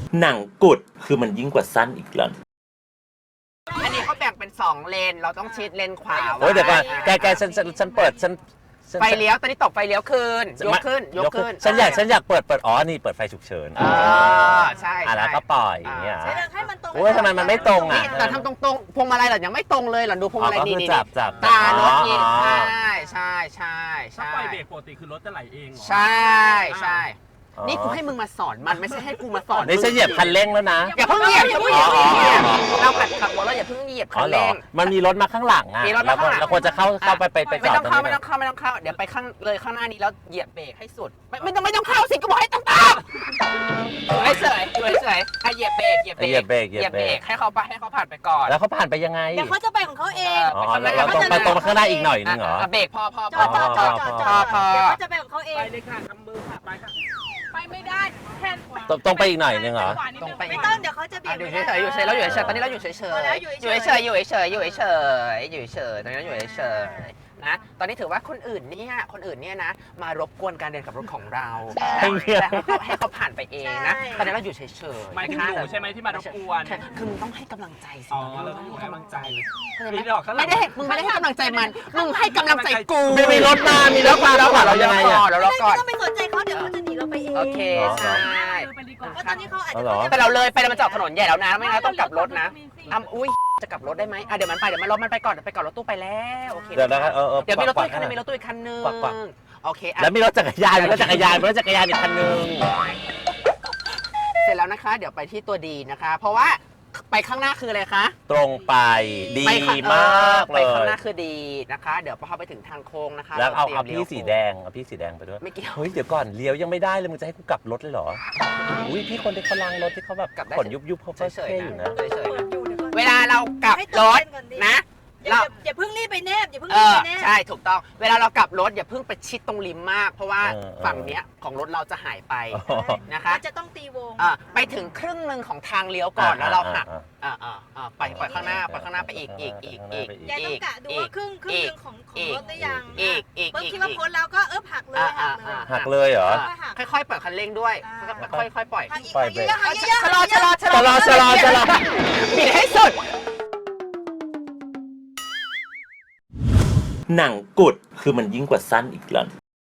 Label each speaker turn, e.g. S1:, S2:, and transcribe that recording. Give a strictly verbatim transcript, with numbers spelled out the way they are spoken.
S1: หนังกุดคือมันยิ่งกว่าสั้นอีกแล้ว
S2: อันนี้เขาแบ่งเป็นสองเลนเราต้องชิดเลนขวา
S1: โอ้ยเดี๋ยวก่อนแกแกฉันฉันฉันเปิดฉัน
S2: ไฟเลี้ยวตอนนี้ตบไฟเลี้ยวขึ้นยกขึ้นยกขึ้น
S1: ฉันอยากฉันอยากเปิดเปิดอ๋อนี่เปิดไฟฉุกเฉิน
S2: อ่าใช่
S1: อ่ะแล้วก็ปล่อยอย่างเงี้ย
S3: ให้มันตรง
S1: โอ้ยทำไมมันไม่ตรงอ่ะ
S2: แต่ทำตรงๆพวงมาลัยเหรอยังไม่ตรงเลยเหรอดูพวงมาลัยนี่นี่
S1: จับจับ
S2: ตารถนี่ใช่ใช่ใช่ใช่
S4: ถ้าปล่อยเบรกปกติคือรถจะไหลเอง
S2: ใช่ใช่นี่กูให้มึงมาสอนมันไม่ใช่ให้กูมาสอน
S1: นี่ฉันเหยียบคันเร่งแล้วนะ
S2: อย่าเพิ่งเหยียบอย่าเพิ่งเหยียบเราขัดขับรถเราอย่าเพิ่งเหยียบคันเร่ง
S1: มันมีรถมาข้างหลังอ่ะ
S2: มีรถมาข้างหลัง
S1: เราควรจะเข้าเข้าไปไปไปจอด
S2: ไม่ต้องเข้าไม่ต้องเข้าไม่ต้องเข้าเดี๋ยวไปข้างเลยข้างหน้านี้แล้วเหยียบเบรกให้สุดไม่ไม่ต้องไม่ต้องเข้าสิก็บอกให้ต้องตามอยู่เฉยอยู่เฉยให้เหยียบเบรกเหยียบเบรก
S1: เหยียบเบรกเหยียบเบรก
S2: ให้เขาไปให้เขาผ่านไปก่อน
S1: แล้วเขาผ่านไปยังไง
S3: เดี๋ยวเขาจะไปของเขาเอง
S1: อ๋อเราตรงไปตรงมาข้างหน้าอีกหน่อยนึงเหรอ
S2: เบรกพอพอ
S3: จอดจอดจอดจอด
S2: พอ
S3: เดี๋ยวเขาจะไปของเขาเอง
S4: ไปเลยค่ะทำมือค่ะไปค่ะ
S3: ไปไม่ได้แค่ขวา
S1: ตรงไปอีกหน่อยนึงเหรอ
S2: ตรงไป
S3: ไม่ต้องเดี๋ยวเขาจะเบี่ยง
S2: อยู่เฉยอยู่เฉยแล้วอยู่เฉยตอนนี้เราอยู่เฉยเฉยอยู่เฉยอยู่เฉยอยู่เฉยอยู่เฉยตอนนี้เราอยู่เฉยนะตอนนี้ถือว่าคนอื่นเนี่ยคนอื่นเนี่ยนะมารบกวนการเดินขับรถของเราแล้วให้เขาให้เขาผ่านไปเองนะตอนนี้เราอยู่เฉยเฉย
S4: หมายถึงหนูใช่ไหมที่มารบกวน
S2: คือมึงต้องให้กำลังใจสิ
S4: อ๋อเราต้องให้กำลังใจ
S2: ไม่ได้มึงไม่ได้ให้กำลังใจมันมึงให้กำลังใจกู
S1: มีรถมามีรถมาแล้วเรายังไงอ่ะ
S2: แล้วเราก่อน
S3: ไม่ต้องไปสนใจเขาเดี๋ยวเขาจะหนีเราไปเอง
S2: โอเคใช่
S3: เพราะตอนนี้เขาอาจจะ
S2: แต่เราเลยไปแล้วมันจอดถนนใหญ่แล้วนะไม่งั้นต้องกลับรถนะอ้ำอุ้ยจะกลับรถได้ไหมอ่ะเดี๋ยวมันไปเดี๋ยวมันรถมันไปก่อนเดี๋ยวไปก่อนรถตู้ไปแล้วโอเค
S1: เดี๋ยวนะเออ
S2: เดี๋ยวมีรถตู้อีกคันนึงมีรถตู้อีกคันนึงโอเค
S1: แล้วมีรถจักรยานมีรถจักรยานมีรถจักรยานอีกคันนึง
S2: เสร็จแล้วนะคะเดี๋ยวไปที่ตัวดีนะคะเพราะว่าไปข้างหน้าคืออะไรคะ
S1: ตรงไปดีมากเลย
S2: ไปข้างหน้าคือดีนะคะเดี๋ยวพอไปถึงทางโค้งนะคะ
S1: แล้วเอาเอาพี่สีแดงเอาพี่สีแดงไปด้วย
S2: ไม่เกี่ยว
S1: เฮ้ยเดี๋ยวก่อนเลี้ยวยังไม่ได้เลยมึงจะให้กูกลับรถเลยเหรออุ้ยพี่คนที่เขาลังรถที่เขาแบบขนยุบยุบเขาเท่อยู่นะ
S2: เวลาเรากลับรถนะ
S3: เราอย่าเพิ่งรีบไปแนบอย่าเพิ่ง
S2: เอ
S3: รีบ
S2: อ
S3: ไปแนบ
S2: ใช่ถูกต้องเวลาเรากลับรถอย่าเพิ่งไปชิดตรงริมมาก เพราะว่าฝั่งเนี้ยของรถเราจะหายไปนะคะ
S3: จะต้องตีวง
S2: ไปถึงครึ่งหนึ่งของทางเลี้ยวก่อนแล้วเราหักอ่าอ่าไปไปข้างหน้าไปข้างหน้าไปอีกอีกอีกอีก
S3: แกต้องกะดูว่าครึ่งครึ่งนึงของของรถได้ยัง
S2: อีกอีก
S3: เพิ่งคิดว่าพ้นแล้วก็เออหักเลยหักเลย
S1: หักเลยเหรอ
S2: ค่อยๆเปิดคันเร่งด้วยค่อยๆปล่อย
S1: ปล่อยเบรก
S2: ชะลอชะลอชะลอ
S1: ชะลอชะลอ
S2: ปิดให้สุด
S1: หนังกุดคือมันยิ่งกว่าสั้นอีกแล้ว